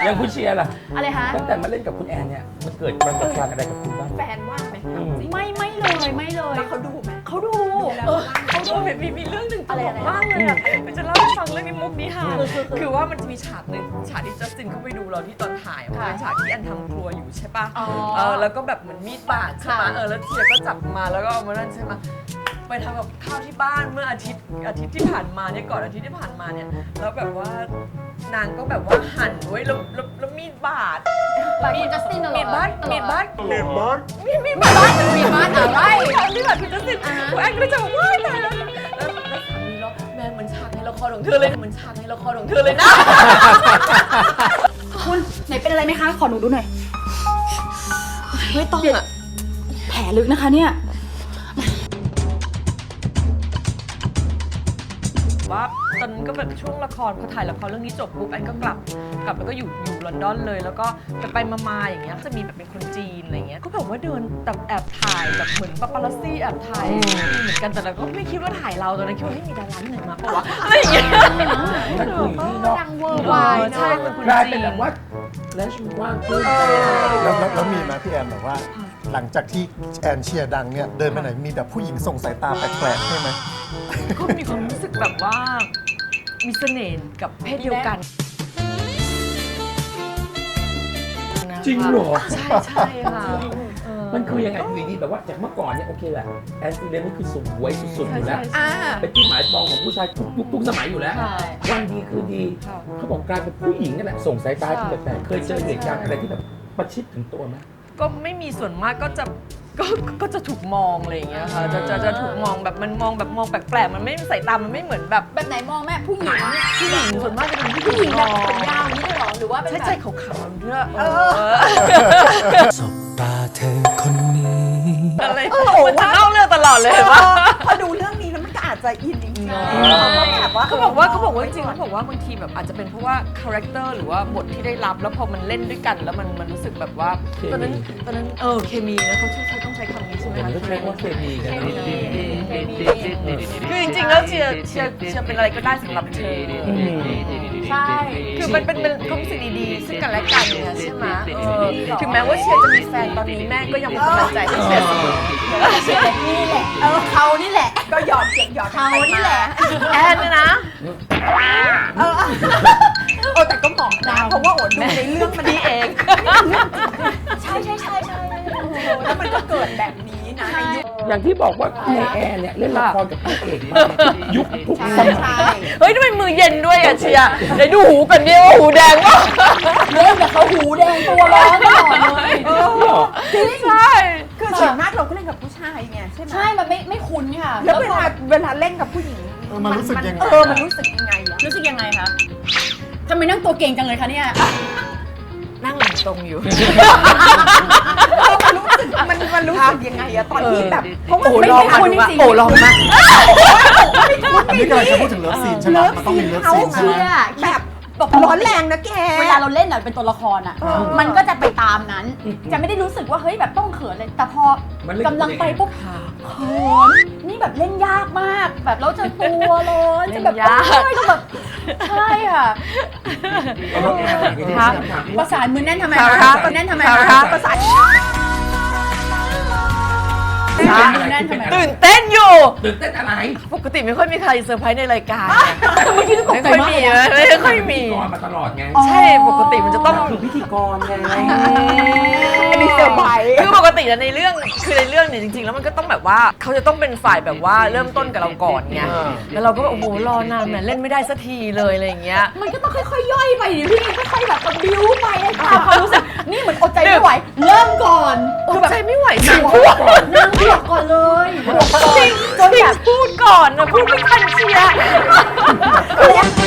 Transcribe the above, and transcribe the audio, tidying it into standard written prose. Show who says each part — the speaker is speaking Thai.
Speaker 1: อย่างคุณเชียร์ล่ะ
Speaker 2: อะไรคะ
Speaker 1: ตั้งแต่มาเล่นกับคุณแอนเนี่ยมันเกิดประสบการณ์อะไรกับคุณบ้าง
Speaker 3: แฟนว่าไหม
Speaker 2: ไม่เลย
Speaker 3: แล้วเขาดูไหม
Speaker 2: เขาดู
Speaker 3: เขาดูมีเรื่องหนึ่งตลกมากเลยอ่ะมันจะเล่าให้ฟังเรื่องนี้มุกนี้ค่ะคือว่ามันจะมีฉากหนึ่งฉากที่จัสตินเขาไปดูเราที่ตอนถ่ายมันเป็นฉากที่แอนทำครัวอยู่ใช่ป่ะแล้วก็แบบเหมือนมีดบาดใช่ไหมแล้วเชียร์ก็จับมาแล้วก็เอามานั่นใช่ไหมไปทำกับข้าวที่บ้านเมื่ออาทิตย์ที่ผ่านมาเนี่ยก่อนอาทิตย์ที่ผ่านมาเนี่ยแล้วแบบว่านางก็แบบว่าหั่นไว้แล้วมีดบาด
Speaker 2: มีจัสตินเหรอ
Speaker 3: มีดบาดอะไร
Speaker 2: มีดบาดอะไร
Speaker 3: มีแบบพี่จัสตินคุณแอนก็เลยจะบอกว่าตายแล้วแล้วสามีเราแม่เหมือนฉากในละครของเธอเลยเหมือนฉากในละครของเธอเลยนะ
Speaker 2: คุณไหนเป็นอะไรไหมคะขอหนูดูหน่อย
Speaker 3: ไม่ต้องอ่ะ
Speaker 2: แผลลึกนะคะเนี่ย
Speaker 3: ว่าตอนนั้นก็แบบช่วงละครพอถ่ายละครเรื่องนี้จบปุ๊บแอนก็กลับแล้วก็อยู่ลอนดอนเลยแล้วก็ไปมาอย่างเงี้ยจะมีแบบเป็นคนจีนอะไรเงี้ยก็แบบว่าเดินแบบแอบถ่ายแบบเหมือนปาปารัสซี่แอบถ่ายเหมือนกันแต่เราก็ไม่คิดว่าถ่ายเราตอนนั้นคิดว่าให้มีดาราที่ไหนมาปะวะอะไรอย่างเงี้ย
Speaker 1: มันคืออยู่ที่นอก
Speaker 2: ดังเวอร์ไวด์
Speaker 3: ใช่เป็นคน
Speaker 1: กลาย
Speaker 3: จี
Speaker 1: เป็น
Speaker 3: น
Speaker 1: แบบว่าแลชมันกว้างขึ้น
Speaker 4: แล้วมีไหมพี่แอนแบบว่า หลังจากที่แอนเชียร์ดังเนี่ยเดินไปไหนมีแบบผู้หญิงส่งสายตาแปลกๆใช่ไหม
Speaker 3: ก็มีความรู้สึกแบบว่ามีเสน่ห์กับเพศเดียวกัน
Speaker 1: จริงเหรอ
Speaker 3: ใช่ค่ะ
Speaker 1: มันคือยังไงอยู่ดีแบบว่าจากเมื่อก่อนเนี่ยโอเคแหละแอนซีเรนนี่คือสวยสุดๆอยู่แล้ว เป็นที่หมายปองของผู้ชายทุกยุคทุกสมัยอยู่แล้ว วันดีคือดี เขาบอกกลายเป็นผู้หญิงนั่นแหละส่งสายตาที่แปลกๆเคยเจอเหตุการณ์อะไรที่แบบประชิดถึงตัวไหม
Speaker 3: ก็ไม่มีส่วนมากก็จะถูกมองอะไรอย่างเงี้ยค่ะจะถูกมองแบบมันมองแบบมองแปลกๆมันไม่สายตามันไม่เหมือนแบบ
Speaker 2: แบบไหนมองแม่ผู้หญิง
Speaker 3: ผู้หญิงส่วนมากจะเป็นผู้
Speaker 2: ผู้
Speaker 3: ห
Speaker 2: ห
Speaker 3: ญิ
Speaker 2: ญิ
Speaker 3: ง
Speaker 2: ง
Speaker 3: ม
Speaker 2: แบบ
Speaker 3: อง
Speaker 2: ผมยาวนี่เลยเหรอหรือว่าเป็น
Speaker 3: ใช่
Speaker 2: แบบ
Speaker 3: ใช่ขาวๆด้วย
Speaker 5: สบตาเธอคนนี้
Speaker 3: อะไรมันจะเล่าเรื่องตลอดเลยเห็นปะ
Speaker 6: พอดูเรื่องนี้แล้วมันก็อาจจะอินจริงๆเขาก็แบบว่า
Speaker 3: เขาบอกว่าจริงๆเขาบอกว่าบางทีแบบอาจจะเป็นเพราะว่าคาแรคเตอร์หรือว่าบทที่ได้รับแล้วพอมันเล่นด้วยกันแล้วมันรู้สึกแบบว่าตอนนั้นเคมีนะเขาต้องใช้คำนี้ใช่ไหม
Speaker 1: แต่
Speaker 3: คะ
Speaker 1: มันก็ใช้ว่าเคมีกันนะ
Speaker 3: คือจริงๆแล้วเชียร์เป็นอะไรก็ได้สำหรับเธอ
Speaker 2: ใช่
Speaker 3: คือมันเป็นความรู้สึกดีๆซึ่งกันและกันเนี่ยใช่ไหมถึงแม้ว่าเชียร์จะมีแฟนตอนนี้แม่ก็ยังเป็นกำลังใจให้เชียร์เสมอ
Speaker 2: นี่แหละเขานี่แหละ
Speaker 6: ก็หยอดเก่งหยอด
Speaker 2: เขานี่แหละ
Speaker 3: แอนเนี่ยนะ
Speaker 6: แต่ก็เหมาะนะเพราะว่าโอดดูในเรื่องมัน
Speaker 3: ดีเอง
Speaker 2: ใช่
Speaker 6: แล้วมันก็เกิดแบบนี้นะในยุค
Speaker 1: อย่างที่บอกว่าในแอร์เนี่ยเล่นละครกับพระเอกมายุคทุกสมัย
Speaker 3: เฮ้ยทำไมมือเย็นด้วยอ่ะเชียร์เดี๋ยวดูหูกันดิว่าหูแดงวะ
Speaker 2: เล่นกับเขาหูแดงตัวร้อนตลอดเลย
Speaker 6: จริง
Speaker 3: ใช่
Speaker 6: คือส่วนมากเราก็เล่นกับผู้ชายไงใช่ไหม
Speaker 2: ใช่มันไม่คุ้นค่ะ
Speaker 6: แล้วเวลาเล่นกับผู้หญิง
Speaker 4: มันรู้สึกยังไง
Speaker 6: มันรู้สึกยังไงอะ
Speaker 2: รู้สึกยังไงคะทำไมนั่งตัวเก่งจังเลยคะเนี่ย
Speaker 3: นั่งหลังตรงอยู่
Speaker 6: มันรู้สึกยังไงอะตอนที่แบบเพราะว่า
Speaker 3: โอ้
Speaker 6: ไม่
Speaker 3: ลอง
Speaker 6: ได้
Speaker 3: มา
Speaker 6: คน
Speaker 3: ดู
Speaker 6: จริง
Speaker 3: โอ้ลองมา
Speaker 4: อันนี้กำลังจะพูดถึงเลิฟซีนใช่ไหมมันต้องมีเลิฟซีนใช่ไหม
Speaker 6: แบบร้อนแรงนะแก
Speaker 2: เวลาเราเล่นเป็นตัวละครอ่ะ มันก็จะไปตามนั้น จะไม่ได้รู้สึกว่าเฮ้ยแบบต้องเขินเลยแต่พอกำลังไปปุ๊บเขินนี่แบบเล่นยากมาก แบบเราจะตัวร้อนจะแบบก็แบบใช่ค่ะ ประสานมือแน่นทำไมคะมือแน่นทำไมคะประสานมือแน่นทำไม
Speaker 3: ตื่นเต้นอยู่
Speaker 1: ตื่นเต้นอะไร
Speaker 3: ปกติไม่ค่อยมีใครเซอร์ไพรส์ในรายการ
Speaker 2: เมื่อกี้ตก
Speaker 3: ไม่
Speaker 2: ใจ
Speaker 3: ค่อย
Speaker 2: มาก
Speaker 3: มี
Speaker 2: เลย
Speaker 3: ไม่ค่อยมี
Speaker 1: พิธีกรมาตลอดไง
Speaker 3: ใช่ปกติมันจะต้อง
Speaker 1: คือพิธีกรไง
Speaker 6: อันนี้เซอร์ไพรส์
Speaker 3: คือปกติในเรื่องเนี่ยจริงๆแล้วมันก็ต้องแบบว่าเขาจะต้องเป็นฝ่ายแบบว่าเริ่มต้นกับเราก่อนไงแล้วเราก็แบบโอ้โหรอนานแหมเล่นไม่ได้สักทีเลยอะไรอย่างเงี้ย
Speaker 2: มันก็ต้องค่อยๆย่อยไปดิพี่ค่อยๆแบบบิ้วไปให้ตามความรู้สึกนี่เหมือนอดใจไม่ไหวเริ่มก่อน
Speaker 3: อดใจไม่ไหวจริง
Speaker 2: นั่งบวกก่อนเลยบวกก่อนจนแบบ
Speaker 3: พูดก่อนนะพูดไม่ทันเชียร์